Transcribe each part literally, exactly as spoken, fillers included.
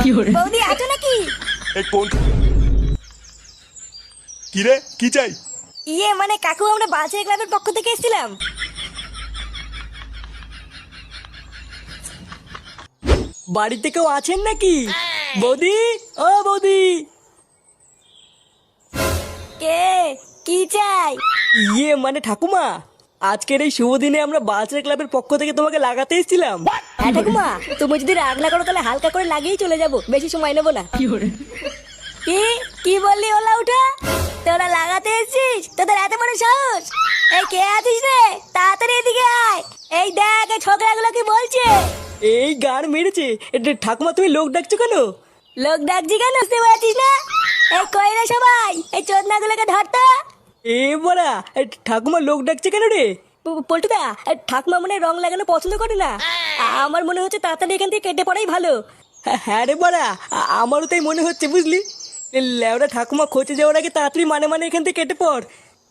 বৌদি আছো নাকি? এই কোন কি রে, কি চাই? ইয়ে মানে কাকু, আমরা বালছেড়ে ক্লাবের পক্ষ থেকে এসেছিলাম। বাড়িতে কেউ আছেন নাকি? বৌদি, ও বৌদি। কে? কি চাই? ইয়ে মানে ঠাকুমা, আজকের এই শুভ দিনে আমরা বালছেড়ে ক্লাবের পক্ষ থেকে তোমাকে লাগাতে এসেছিলাম। হ্যাঁ ঠাকুমা, তুমি যদি রাগ না করো তাহলে হালকা করে লাগিয়েই চলে যাবো, বেশি সময় নেবো না। কি কি বললি ওলা উঠা? তোরা লাগাতে এসেছিস? তোদের এত বড় সাহস? এই কে আছিস রে? তাড়াতাড়ি এদিকে আয়। এই দেখ এই ছোকরাগুলো কি বলছে। এই গান মেরেছে। এটা ঠাকুমা, তুমি লোক ডাকছো কেন? লোক ডাকছি কেন বুঝতে পারছিস না? এই কই রে সবাই, এই চোদনাগুলোকে ধরতো। এ বড়া, ঠাকুমা লোক ডাকছে কেন রে? প- পল্টুদা, এই ঠাকুমা মনে হয় রং লাগানো পছন্দ করে না। আ- আমার মনে হচ্ছে তাড়াতাড়ি এখান থেকে কেটে পড়াই ভালো। হ্যাঁ, হ্যাঁ রে বড়া, আ- আমারও তাই মনে হচ্ছে বুঝলি। এ লেওড়া ঠাকুমা খোঁচে যাওয়ার আগে তাড়াতাড়ি মানে মানে এখান থেকে কেটে পড়।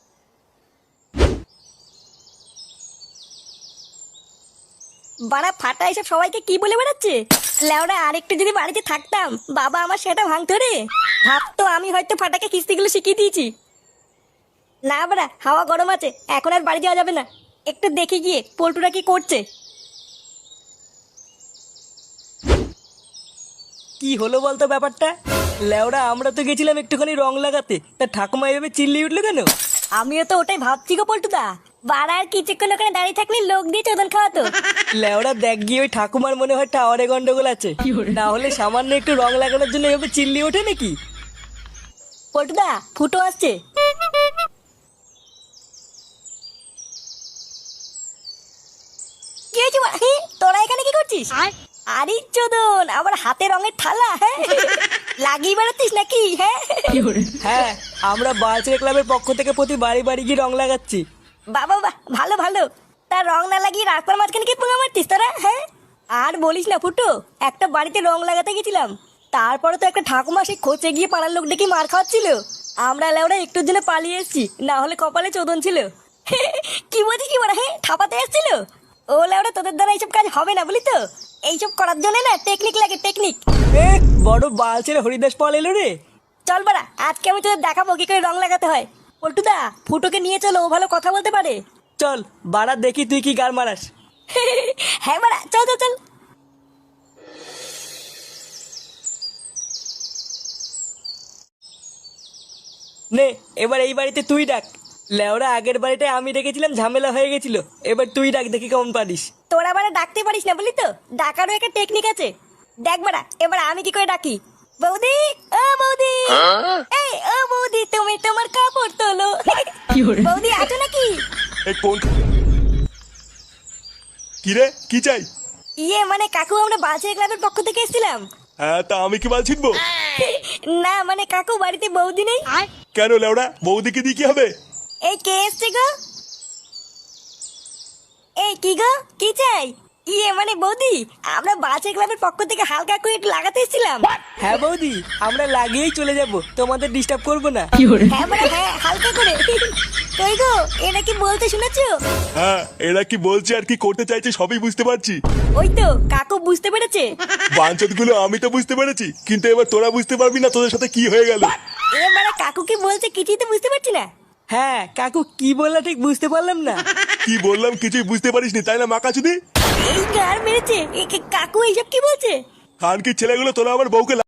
বাড়া ফাটা এসব সবাইকে কি বলে বেড়াচ্ছে। লেওরা আরেকটু যদি বাড়িতে থাকতাম, বাবা আমার সেটা ভাঙতো রে। ভাবতো আমি হয়তো ফাটাকে কিস্তিগুলো শিখিয়ে দিয়েছি। না বাড়া, হাওয়া গরম আছে, এখন আর বাড়ি যাওয়া যাবে না। একটু দেখে গিয়ে পল্টুরা কি করছে। কি হলো বলতো ব্যাপারটা? লেওড়া আমরা তো গেছিলাম একটুখানি রং লাগাতে, তা ঠাকুমা এভাবে চিল্লিয়ে উঠলো কেন? আমিও তো ওটাই ভাবছি গো পল্টুদা। বাড়া আর কিছুক্ষণ ওখানে দাঁড়িয়ে থাকলে লোক দিয়ে চোদন খাওয়াতো। লেওড়া দেখ গিয়ে ওই ঠাকুমার মনে হয় টাওয়ারে গন্ডগোল আছে, না হলে সামান্য একটু রং লাগানোর জন্য এভাবে চিল্লিয়ে ওঠে নাকি? পল্টুদা, ফুটো আসছে। কি হয়েছে বাড়া? হে, তোরা এখানে কি করছিস? আরে চোদন, আমার হাতে রঙের থালা। হ্যাঁ, লাগিয়ে বেড়াচ্ছিস নাকি? হ্যাঁ হ্যাঁ, আমরা বালছেড়ে ক্লাবের পক্ষ থেকে প্রতি বাড়ি বাড়ি গিয়ে রং লাগাচ্ছি। বাবা বাহ, ভালো ভালো। তার রং না লাগিয়ে রাস্তার মাঝখানে কি পোঙা মারতিস তোরা? হ্যাঁ, আর বলিস না ফুটো, একটা বাড়িতে রং লাগাতে গেছিলাম, তারপরে তো একটা ঠাকুমা সেই খোঁচে গিয়ে পাড়ার লোক ডেকে মার খাওয়াচ্ছিল। আমরা লেওরা একটুর জন্য পালিয়ে এসেছি, না হলে কপালে চোদন ছিল। কি বলছিস কি বড়? হ্যাঁ, থাপাতে এসেছিল। ও লেওরা, তোদের দ্বারা এইসব কাজ হবে না বলি তো। এইসব করার জন্য না টেকনিক লাগে, টেকনিক। এ বড় বালছেড়ে হরিদাস পাল এলো রে। চল বাড়া, আজকে আমি তোদের দেখাবো কি করে রং লাগাতে হয়। পল্টুদা, ফুটোকে নিয়ে চলো, ও ভালো কথা বলতে পারে। চল বাড়া, দেখি তুই কি গার মারাস। হ্যাঁ বাড়া, চল চল চল। নে এবার এই বাড়িতে তুই ডাক। লেওরা আগের বাড়িতে আমি ডেকেছিলাম, ঝামেলা হয়ে গেছিল, এবার তুই ডাক, দেখি কেমন পারিস। তোরা বাড়া ডাকতে পারিস না বলি তো, ডাকারও একটা টেকনিক আছে। দেখ বাড়া, এবার আমি কি করে ডাকি। বৌদি, ও বৌদি, এই ও বৌদি, তুমি তোমার কাপড় তোলো। বৌদি আছো নাকি? এই কোন কি রে, কি চাই? ইয়ে মানে কাকু, আমরা বালছেড়ে ক্লাবের পক্ষ থেকে এসেছিলাম। হ্যাঁ, তা আমি কি বাল ছিনবো? না মানে কাকু, বাড়িতে বৌদি নেই। কেন লেওড়া, বৌদিকে দিয়ে কি হবে? এই কে এসছে গো? এই কি গো, কি চাই? ইয়ে মানে বৌদি, আমরা বালছেড়ে ক্লাবের পক্ষ থেকে হালকা করে একটু লাগাতে এসেছিলাম। হ্যাঁ বৌদি, আমরা লাগিয়েই চলে যাব, তোমাদের ডিস্টার্ব করবো না। হ্যাঁ মানে হ্যাঁ, হালকা করে। কই গো, এরা কি বলতে শুনেছো? হ্যাঁ, এরা কি বলছে আর কি করতে চাইছে সবই বুঝতে পারছি। ওই তো কাকু বুঝতে পেরেছে। বাঞ্চত গুলো আমি তো বুঝতে পেরেছি, কিন্তু এবার তোরা বুঝতে পারবি না তোদের সাথে কি হয়ে গেল। এবারে কাকু কি বলছে কিছুই তো বুঝতে পারছি না। হ্যাঁ কাকু কি বললা ঠিক বুঝতে পারলাম না। কি বললাম কিছুই বুঝতে পারিসনি তাই না মাকাচুদি? এই গার মেরেছে, এ কে- কাকু এইসব কি বলছে? খানকির ছেলেগুলো তোরা আমার বউকে